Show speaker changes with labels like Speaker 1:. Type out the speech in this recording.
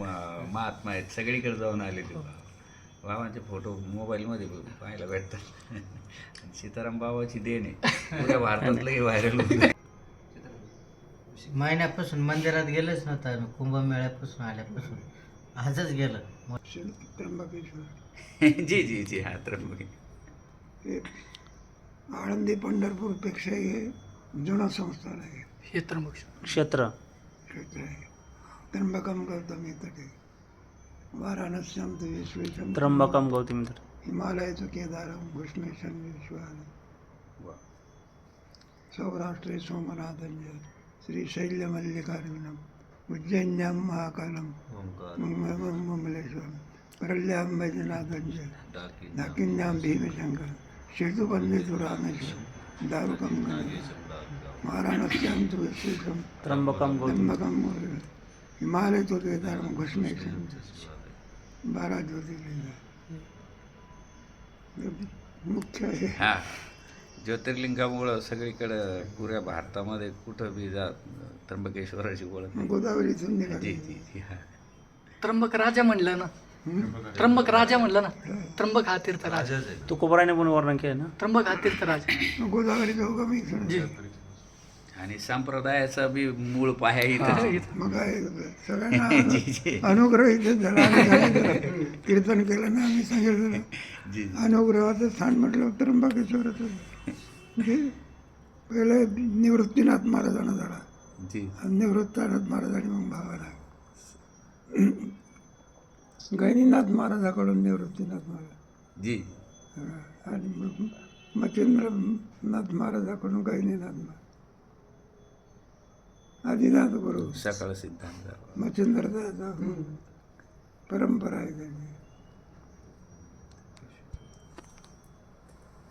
Speaker 1: महात्मा आहेत, सगळीकडे जाऊन आले ते बाबांचे फोटो मोबाईलमध्ये पाहायला भेटतात. सीताराम बाबाची देण आहे, पुऱ्या भारतातलंही व्हायरल होतं.
Speaker 2: महिन्यापासून मंदिरात गेलंच नव्हतं, कुंभमेळ्यापासून आल्यापासून आजच गेलं.
Speaker 3: त्र्यंबकेश्वर
Speaker 1: जी जी जी हा त्र्यंबके.
Speaker 3: हे आळंदी पंढरपूरपेक्षा हे जुनं संस्थान आहे,
Speaker 4: हे त्र्यंबक
Speaker 2: क्षेत्र
Speaker 3: क्षेत्र आहे. त्र्यंबकम गौतमी तटे वाराणस्याम तु विश्वेशम
Speaker 2: त्र्यंबकम गौतमी तटे
Speaker 3: हिमालयाचं केदारम घुष्णेशम विश्वान सौराष्ट्रे सोमनाथंज श्रीशैल्यमल्लिकार्जुनम उज्जैन्यां महाकालम मुमलेश्वरम परल्यां वैजनाथंज दाकिन्यां भीमशंकर सेतुबंधेतु रामेश्वर दारुकम वाराणस्यां तु विश्वेशम
Speaker 2: त्र्यंबकम
Speaker 3: त्र्यंबकम हिमालय तो केदारम घुष्णेशम 12 ज्योतिर्लिंग मुख्य आहे.
Speaker 1: हा ज्योतिर्लिंगामुळं सगळीकडं पुऱ्या भारतामध्ये कुठं बी जा त्र्यंबकेश्वराची ओळख आहे.
Speaker 3: गोदावरीतून
Speaker 1: जी
Speaker 3: निघाली.
Speaker 1: जी जी हा.
Speaker 4: त्र्यंबक राजा म्हणलं ना, त्र्यंबक राजा म्हणलं ना, त्र्यंबक हा तीर्थ राजा,
Speaker 2: तुकोबराने पण वर्णन केलं ना.
Speaker 4: त्र्यंबक हा तीर्थ राजा.
Speaker 3: गोदावरीचा उगम इकडं.
Speaker 4: जी
Speaker 1: आणि संप्रदायाचा बी मूळ पाया इथं.
Speaker 3: मग आहे सगळ्यांना
Speaker 1: जी जी
Speaker 3: अनुग्रह इथे झाला. आम्ही सांगितलं, कीर्तन केलं ना, आम्ही सांगितलं
Speaker 1: जी
Speaker 3: अनुग्रहाचं स्थान म्हटलं त्र्यंबकेश्वराचं. जे पहिले निवृत्तीनाथ महाराजांना झाला,
Speaker 1: जी
Speaker 3: निवृत्तानाथ महाराजांनी मग भावाला गैनीनाथ महाराजाकडून निवृत्तीनाथ महाराज
Speaker 1: जी
Speaker 3: आणि मग मच्छिंद्रनाथ महाराजाकडून गैनीनाथ महाराज आदिनाथ गुरु
Speaker 1: सकाळ सिद्धांत.
Speaker 3: मच्छिंद्रनाथ परंपरा आहे त्यांची.